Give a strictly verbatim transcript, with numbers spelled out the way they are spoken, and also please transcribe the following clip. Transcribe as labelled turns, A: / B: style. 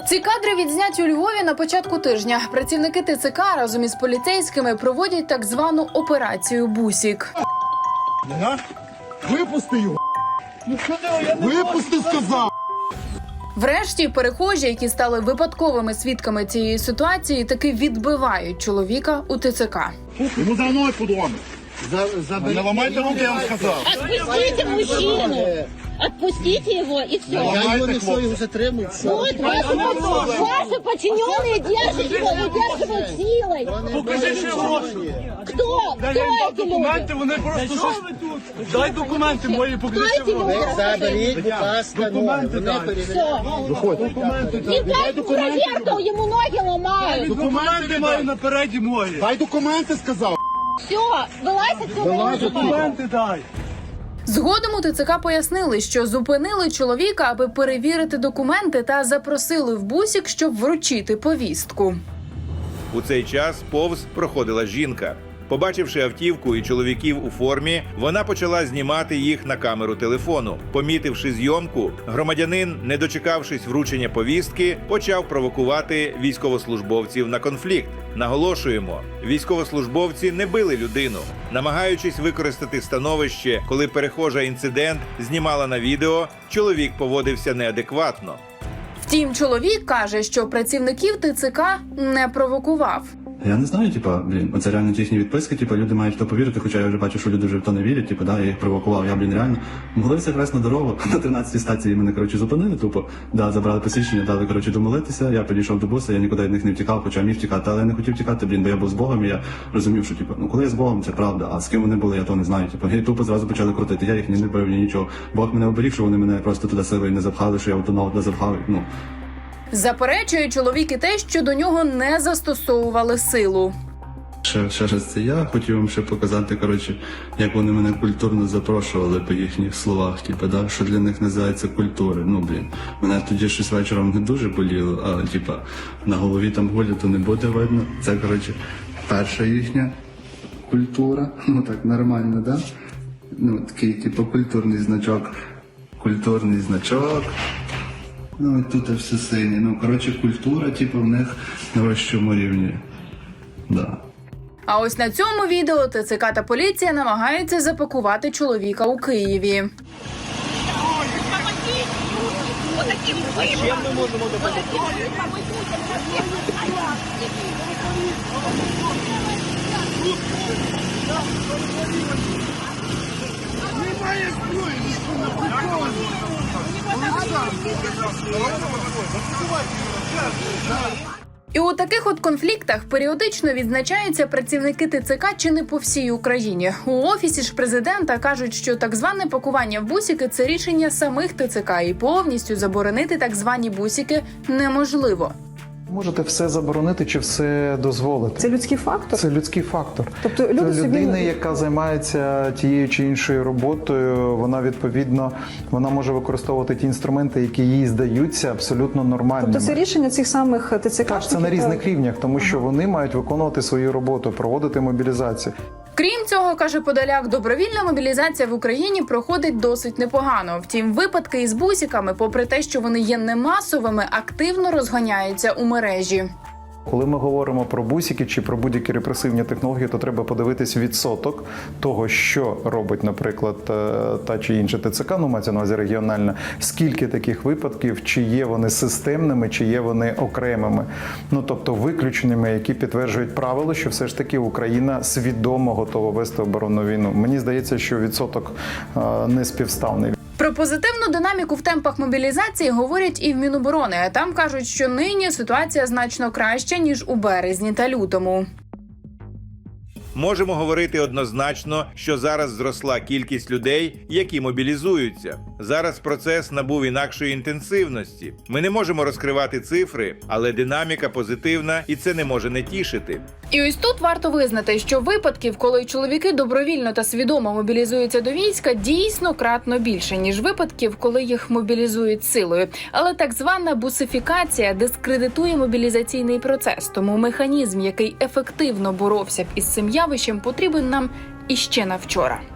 A: Ці кадри відзняті у Львові на початку тижня. Працівники ТЦК разом із поліцейськими проводять так звану операцію «Бусік».
B: Випусти його! Випусти, сказав!
A: Врешті перехожі, які стали випадковими свідками цієї ситуації, таки відбивають чоловіка у ТЦК.
B: Йому за мною подумав. Не ламайте руки, я вам сказав.
C: Отпустите мужчину! Отпустите его и все.
B: Я его не все, его затримую.
C: Вот ваши, ваши подчиненные держат его, удерживают силой.
D: Покажи, що гроші.
C: Кто?
D: Дай
C: Кто
D: їм
C: эти люди?
D: документи, вони просто щось... Дай документи мої, покажи,
C: Кто эти
D: що гроші.
C: люди?
E: Заберіть, будь ласка,
D: Документи дай.
C: Все.
D: Документи дай.
C: И как проверка, ему ноги ломают.
D: Документи маю напереді мої.
B: Дай документи, сказав.
C: Все, вылазь отсюда.
D: Документи дай.
A: Згодом у ТЦК пояснили, що зупинили чоловіка, аби перевірити документи та запросили в бусік, щоб вручити повістку.
F: У цей час повз проходила жінка. Побачивши автівку і чоловіків у формі, вона почала знімати їх на камеру телефону. Помітивши зйомку, громадянин, не дочекавшись вручення повістки, почав провокувати військовослужбовців на конфлікт. Наголошуємо, військовослужбовці не били людину. Намагаючись використати становище, коли перехожа інцидент знімала на відео, чоловік поводився неадекватно.
A: Втім, чоловік каже, що працівників ТЦК не провокував.
G: Я не знаю, типа, блін, оце реально ті їхні відписки, типа, люди мають в то повірити, хоча я вже бачу, що люди вже в то не вірять, типа, да, я їх провокував, я, блін, реально. Могли все якраз на дорогу, на тринадцятій стації мене, коротше, зупинили, тупо, да, забрали посвідчення, дали, коротше, домолитися, я підійшов до буса, я нікуди від них не втікав, хоча міг втікати, але я не хотів втікати, блін, бо я був з Богом, і я розумів, що, типа, ну, коли я з Богом, це правда, а з ким вони були, я то не знаю, типа, і тупо зразу почали крутити, я їх ні не бив, ні нічого. Бог мене оберіг, що вони мене просто туди силою не запхали, що я одного туди запхав, ну.
A: Заперечує чоловік і те, що до нього не застосовували силу.
G: Ще, ще раз це я хотів вам ще показати, коротше, як вони мене культурно запрошували по їхніх словах, типу, да, що для них називається культури. Ну, блін, мене тоді щось вечором не дуже боліло, але, типа, на голові там гулі, то не буде видно. Це, коротше, перша їхня культура, ну так, нормально, да? Ну, такий, типу, культурний значок, культурний значок. Ну, і тут все синє. Ну, коротше, культура, типу, в них на вищому рівні, да.
A: А ось на цьому відео ТЦК та поліція намагаються запакувати чоловіка у Києві. І у таких от конфліктах періодично відзначаються працівники ТЦК чи не по всій Україні. У Офісі ж президента кажуть, що так зване пакування в бусики – це рішення самих ТЦК, і повністю заборонити так звані бусики неможливо.
H: Можете все заборонити чи все дозволити.
I: Це людський фактор?
H: Це людський фактор.
I: Тобто люди
H: Це людина,
I: собі...
H: яка займається тією чи іншою роботою, вона відповідно вона може використовувати ті інструменти, які їй здаються абсолютно нормальними.
I: Тобто це рішення цих самих ТЦК?
H: Так, це на різних рівнях, тому що вони мають виконувати свою роботу, проводити мобілізацію.
A: Крім цього, каже Подоляк, добровільна мобілізація в Україні проходить досить непогано. Втім, випадки із бусиками, попри те, що вони є немасовими, активно розганяються у мережі.
H: Коли ми говоримо про бусики чи про будь-які репресивні технології, то треба подивитись відсоток того, що робить, наприклад, та чи інша ТЦК, ну, мається на увазі регіональна, скільки таких випадків, чи є вони системними, чи є вони окремими, ну, тобто виключеними, які підтверджують правило, що все ж таки Україна свідомо готова вести оборонну війну. Мені здається, що відсоток не співставний.
A: Про позитивну динаміку в темпах мобілізації говорять і в Міноборони. Там кажуть, що нині ситуація значно краща, ніж у березні та лютому.
F: Можемо говорити однозначно, що зараз зросла кількість людей, які мобілізуються. Зараз процес набув інакшої інтенсивності. Ми не можемо розкривати цифри, але динаміка позитивна, і це не може не тішити.
A: І ось тут варто визнати, що випадків, коли чоловіки добровільно та свідомо мобілізуються до війська, дійсно кратно більше, ніж випадків, коли їх мобілізують силою. Але так звана бусифікація дискредитує мобілізаційний процес, тому механізм, який ефективно боровся б із цим явищем, потрібен нам іще на вчора.